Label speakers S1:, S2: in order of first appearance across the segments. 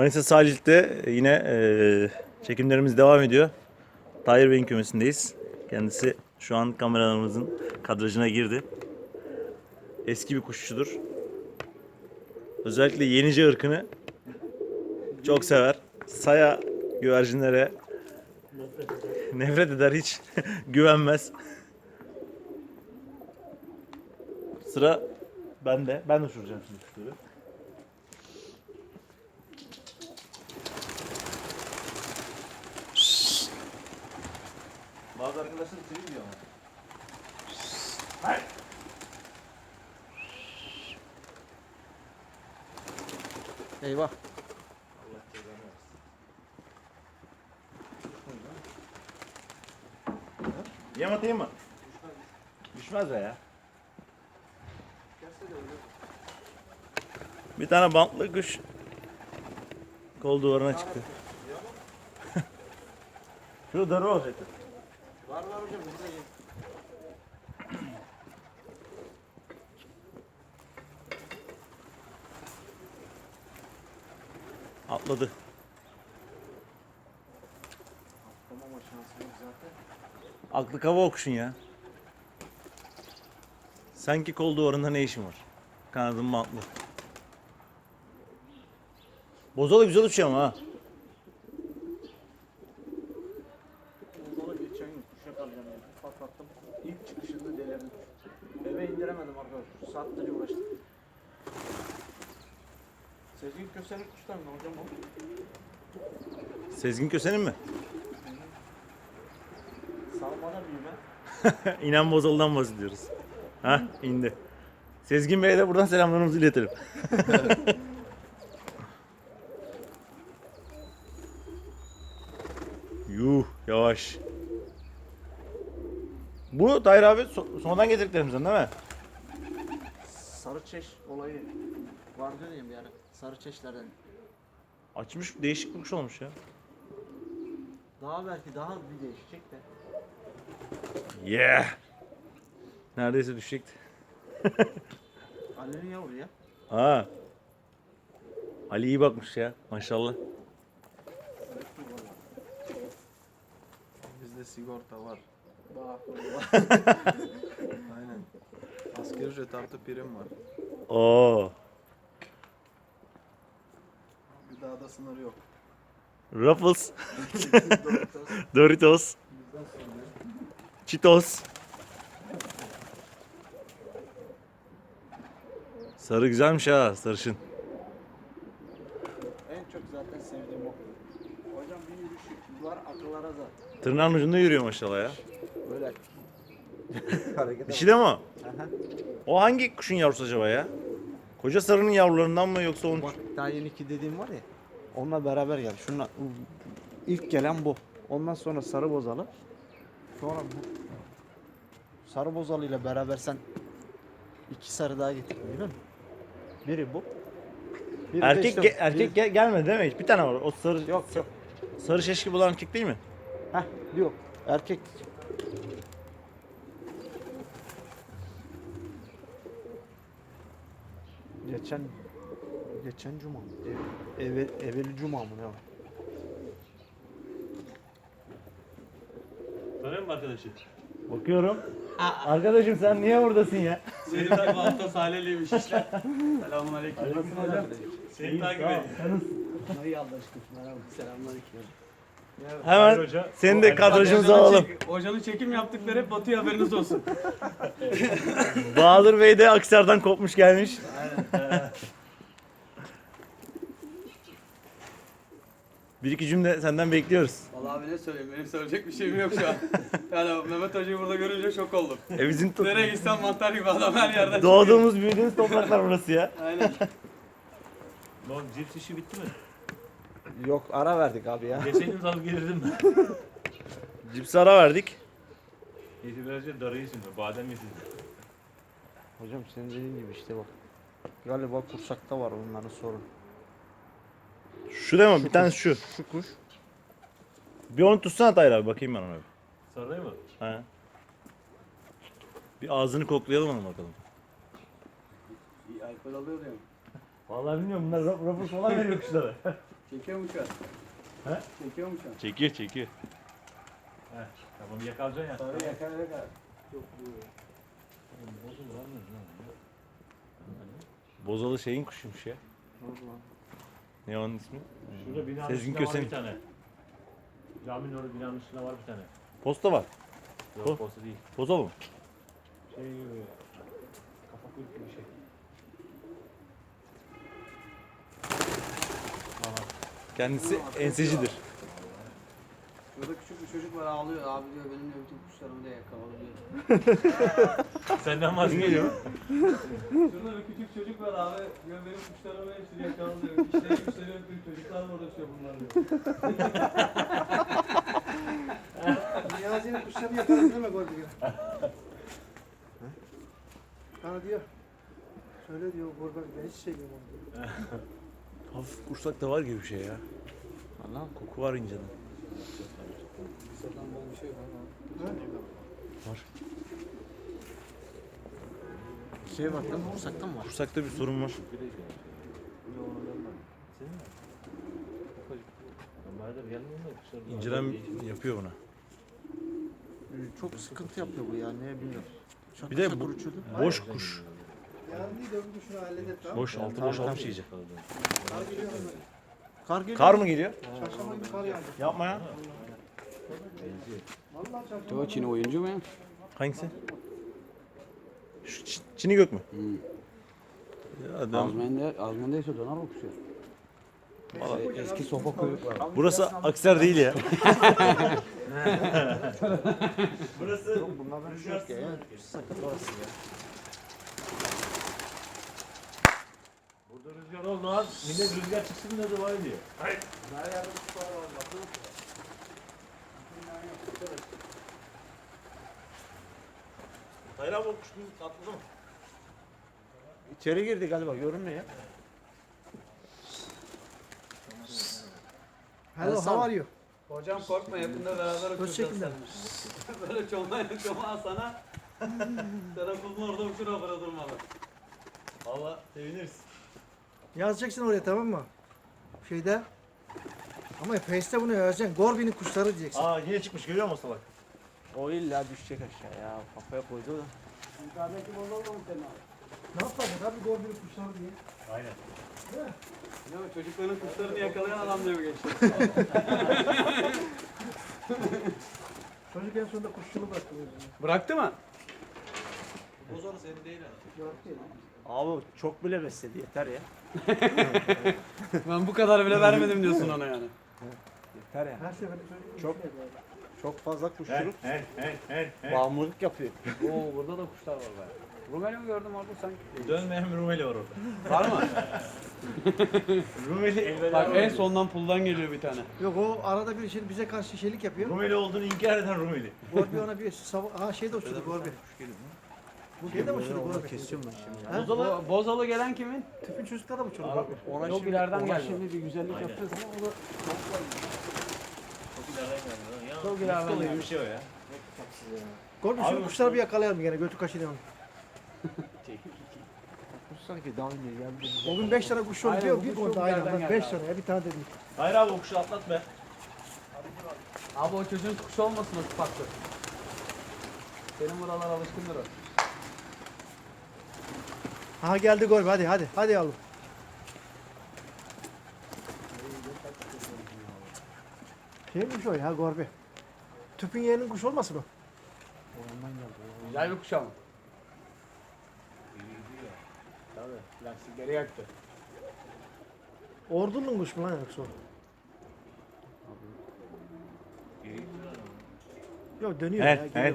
S1: Manisa Salih'te yine çekimlerimiz devam ediyor. Tahir Bey'in kümesindeyiz. Kendisi şu an kameralarımızın kadrajına girdi. Eski bir kuşçudur. Özellikle yenice ırkını çok sever. Saya güvercinlere nefret eder, hiç güvenmez. Sıra bende. Ben uçuracağım şimdi kuşları. Bazı arkadaşlar içeri gidiyor ama. Hayır.
S2: Eyvah.
S1: Allah cezanı versin. Yem atayım mı? Düşmez be ya. Bir tane bantlı kuş kol duvarına çıktı. Şu darı olacaktı.
S2: Var hocam burada ye.
S1: Atladı.
S2: Atlamama şansı yok zaten.
S1: Aklı kava okuşun ya. Sanki kol duvarında ne işin var? Kanadın bantlı. Bozalı güzel uçuyor ama ha.
S2: Bozala geçen gün kuşa kalacağım yani. Patlattım. İlk çıkışında delerdim. Eve indiremedim arkadaşlar. Saatlerce uğraştım. Sezgin Köse'nin kuşlar mı hocam o?
S1: Sezgin Köse'nin mi?
S2: Salmada büyüme.
S1: İnan Bozalı'dan bahsediyoruz. Ha, indi. Sezgin Bey'e de buradan selamlarımızı iletelim. Yuh, yavaş. Bu Tahir abi sonradan getirdiklerimizden değil mi?
S2: Sarı çeş olayı var diyeyim yani. Sarı çeşlerden.
S1: Açmış, değişik bir kuş olmuş ya.
S2: Daha belki daha bir değişecek de.
S1: Yeah. Neredeyse düşecekti.
S2: Ali'nin yavru ya.
S1: Ha. Ali iyi bakmış ya, maşallah.
S3: Bizde sigorta var.
S2: Bak.
S3: Aynen. Asgari ücret artı prim var.
S1: Oo.
S3: Bir daha da sınır yok.
S1: Ruffles, Doritos, Cheetos. Sarı güzelmiş ha, sarışın.
S2: En çok zaten sevdiğim o. Hocam bir yürüyüşü var akıllara da.
S1: Tırnağın ucunda yürüyor maşallah ya.
S2: Böyle hareket
S1: Dişi de mi o?
S2: Aha.
S1: O hangi kuşun yavrusu acaba ya? Koca sarının yavrularından mı yoksa onun?
S2: Bak daha yeni iki dediğim var ya. Onunla beraber geldi. Şunla ilk gelen bu. Ondan sonra sarı bozalı. Sonra bu. Sarı bozalı ile beraber sen iki sarı daha getirdin değil mi? Biri bu. Biri de
S1: Erkek
S2: işte-
S1: erkek gelmedi değil mi hiç? Bir tane var. O sarı
S2: Yok yok.
S1: sarı şeşki bulan erkek değil mi?
S2: Heh yok. Erkek. Geçen cuma mı? Evveli cuma mı ne var?
S1: Tanıyor musun arkadaşı? Bakıyorum. Arkadaşım sen niye buradasın ya?
S4: Seni takip hafta Salih'liymiş işler. Selamünaleyküm.
S1: hocam?
S4: Seni takip ediyorum.
S2: Hayır Allah aşkına. Merhaba. Selamünaleyküm.
S1: Hemen seni de kadrajımıza alalım.
S4: Hocanın çekim yaptıkları hep Batu'ya haberiniz olsun.
S1: Bahadır Bey de Aksar'dan kopmuş gelmiş. Bir iki cümle senden bekliyoruz.
S4: Vallahi abi ne söyleyeyim, benim söyleyecek bir şeyim yok şu an. Yani Mehmet Hoca'yı burada görünce şok oldum.
S1: Bizim
S4: Nereye gitsem mantar gibi adam her yerden
S1: doğduğumuz büyüdüğümüz topraklar burası ya.
S4: çıkıyor. Aynen.
S5: Lan cips işi bitti mi?
S2: Yok ara verdik abi ya.
S5: Geçen alıp gelirdim ben.
S1: Cipsi ara verdik.
S5: Yedilerce darı yesin de, badem yesin.
S2: Hocam senin dediğin gibi işte bak. Galiba kursakta var onların sorun.
S1: Şu değil mi? Bir tane şu.
S2: Şu kuş.
S1: Bir onu tutsana Tahir abi, bakayım ben ona bir.
S5: Sarayı mı?
S1: He. Bir ağzını koklayalım onu bakalım.
S4: İyi alkol alıyor diyorum.
S1: Vallahi bilmiyorum, bunlar rapor falan veriyor kuşlara.
S4: Çekiyor mu şu an?
S5: He?
S4: Çekiyor mu şu an?
S5: Çekiyor çekiyor. Heh, tamam yakalayacaksın ya.
S4: Sarı yakar. Çok
S1: Bozalı şeyin kuşuymuş ya. Ne onun ismi?
S5: Şurada binanın
S1: Sezgin
S5: üstünde var
S1: Köse'nin.
S5: bir tane. Caminin orada binanın üstünde var bir tane.
S1: Posta var.
S5: Yok posta değil.
S1: Bozalı mı?
S5: Şey kafa kuyruk gibi bir şey.
S1: Kendisi ensecidir.
S4: Şurada küçük bir çocuk var ağlıyor. Abi diyor benim de bütün kuşlarımı da yakaladı diyor.
S5: Senden vazgeçiyor.
S4: Şurada bir küçük çocuk var abi. Diyor benim kuşlarımı hepsini yakaladı diyor. İşleri güçleri öptüm. Çocuklar mı uğraşıyor bunlar diyor.
S2: Niyazi'nin kuşlarını yakarım deme gol diyor. Bana diyor. Söyle diyor Gorbe ben hiç sevmiyorum onu diyor.
S1: Hafif kursak da var gibi bir şey ya.
S2: Allah'ım.
S1: Koku var inceden.
S4: Sıradan bol bir şey var ama.
S1: Var.
S2: Şey var değil mi? Kursaktan mı var?
S1: Kursakta bir sorun var. İncelen yapıyor buna.
S2: Çok sıkıntı yapıyor bu ya ne bilmiyorum.
S1: Bir de bu boş kuş.
S2: Yani değil de bu şunu halledet tamam.
S1: Boş, altı boş olmuş iyice.
S2: Kar geliyor.
S1: Kar mı geliyor?
S2: Çarşamba günü kar yağdı.
S1: Yapma ya.
S2: Vallahi çarşamba.
S4: O Çin'i oyuncu mu ya?
S1: Hangisi? Şu Çin'i gök mü? Ya adam,
S4: Azmen'deyse döner o kuşu. Eski sopa kuyruk var.
S1: burası Akser değil ya. Burası
S2: Bunlardan bir şey yok ya. Sakın orası ya.
S5: Burada rüzgar oldu lan. Millet rüzgar çıksın da dua ediyor. Hayır.
S1: Hayır abi o kuş atladı mı?
S2: İçeri girdi galiba görünmüyor ya. Hello, how are you?
S4: Hocam korkma yakında beraber uçuracağız
S2: çekimden.
S4: seninle. Böyle çomağa sana. Tarafımın orada uçura bıra durmalı.
S1: Valla seviniriz.
S6: Yazacaksın oraya tamam mı? Şeyde. Ama Face'te bunu yazacaksın. Gorbi'nin kuşları diyeceksin.
S1: Aa yine çıkmış görüyor musun salak?
S2: O illa düşecek aşağı ya. Kafaya koydu da.
S4: Yukarıdaki bozuldu mu senin abi?
S6: Ne yapacak abi Gorbi'nin kuşları diye.
S5: Aynen.
S4: Ne o çocukların kuşlarını yakalayan adam diye mi geçti?
S6: Çocuk en sonunda kuşçuluğu bıraktı. o yüzden.
S4: Bıraktı mı?
S3: Bozalı senin değil yani.
S2: Abi çok bile besledi yeter ya.
S4: Ben bu kadar bile vermedim diyorsun ona yani.
S2: Yeter ya.
S6: Her seferinde söylediğim
S2: Çok-
S6: şey var.
S2: Çok fazla kuşçuluk
S5: He.
S2: bağımlılık yapıyor.
S4: Oo burada da kuşlar var be. Rumeli mi gördüm orada sanki?
S5: Dönmeyen bir Rumeli var orada.
S4: Var mı?
S5: Rumeli elveda.
S4: Bak en sondan puldan geliyor bir tane.
S6: Yok o arada bir şey bize karşı şeylik yapıyor.
S5: Rumeli olduğunu inkar eden Rumeli.
S6: Gorbi ona bir şey de uçurdu Gorbi. Bu şey de uçurdu Gorbi.
S2: Kesiyorum ben şimdi.
S6: Ha?
S4: Bozalı gelen kimin?
S6: Tüpün çocukları da uçurdu Gorbi.
S2: Ona
S4: Yok ileriden
S2: ona
S4: geldi.
S2: şimdi bir güzellik
S5: Aynen.
S2: yapacağız ama o da
S5: Çok ileriden geldi. Ya,
S4: Çok ileriden
S5: Mustafa gibi
S4: geldi.
S5: bir şey o ya.
S6: Gorbi
S5: Abi
S6: şu kuşları bir yakalayalım gene götü kaşıyalım.
S2: kuş sanki daha önce geldi.
S6: O gün 5 tane kuş oldu
S4: Aynen,
S6: diyor.
S4: bu
S6: Bir
S4: kuş
S6: konuda
S4: çok
S6: aynı
S4: yerden
S6: anda
S4: geldi
S6: 5
S4: abi.
S6: tane ya bir tane dedim.
S5: Hayır abi o kuşu atlat be.
S4: Abi o çocuğun kuşu olmasın o farklı. Senin buralar alışkındır o.
S6: Aha geldi Gorbi hadi hadi hadi yavrum. Şeymiş o ya Gorbi. Tüpün yeğenin kuş olmasın o?
S4: Güzel bir kuş ama. Tabii lastikleri yaktı.
S6: Ordunun kuş mu lan yoksa o? Yok dönüyor ya geliyor.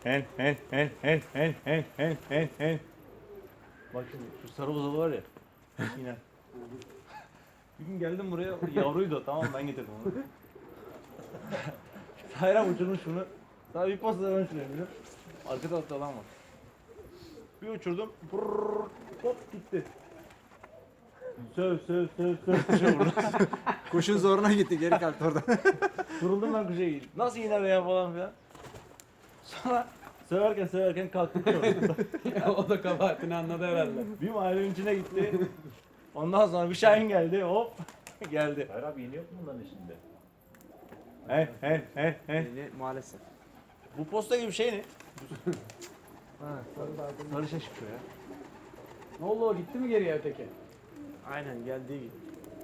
S1: Bak şimdi şu sarı bozalı var ya. Yine. Bir gün geldim buraya yavruydu o, tamam mı? Ben getirdim onu. Hayran uçurmuş bunu. Daha bir posta ben uçuruyorum biliyor musun? Arka tarafta adam var. Bir uçurdum. Brrrr, hop gitti. Söv. Kuşa vurdu.
S2: Kuşun zoruna gitti geri kalktı oradan.
S1: Vuruldum ben kuşa gittim. Nasıl iner ya falan filan. Sonra söverken kalktı kuşa vurdu.
S4: O da kabahatini anladı herhalde.
S1: Bir mahallenin içine gitti. Ondan sonra bir şahin geldi hop. Geldi.
S5: Hayır abi yeni yok mu bunların içinde?
S1: He.
S2: Yeni maalesef.
S1: Bu posta gibi şey ne?
S6: Ha, sarı da aydın.
S1: Sarı şey çıkıyor ya.
S4: Ne oldu o gitti mi geriye öteki?
S2: Aynen geldiği gibi.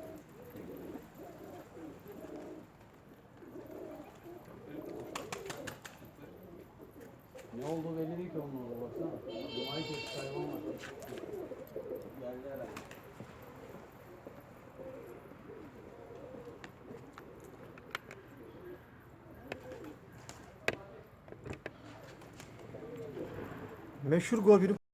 S4: Ne oldu belli değil ki onun orada baksana. Dumayı kesti hayvan var. Geldi herhalde.
S6: Meşhur Gorbin'in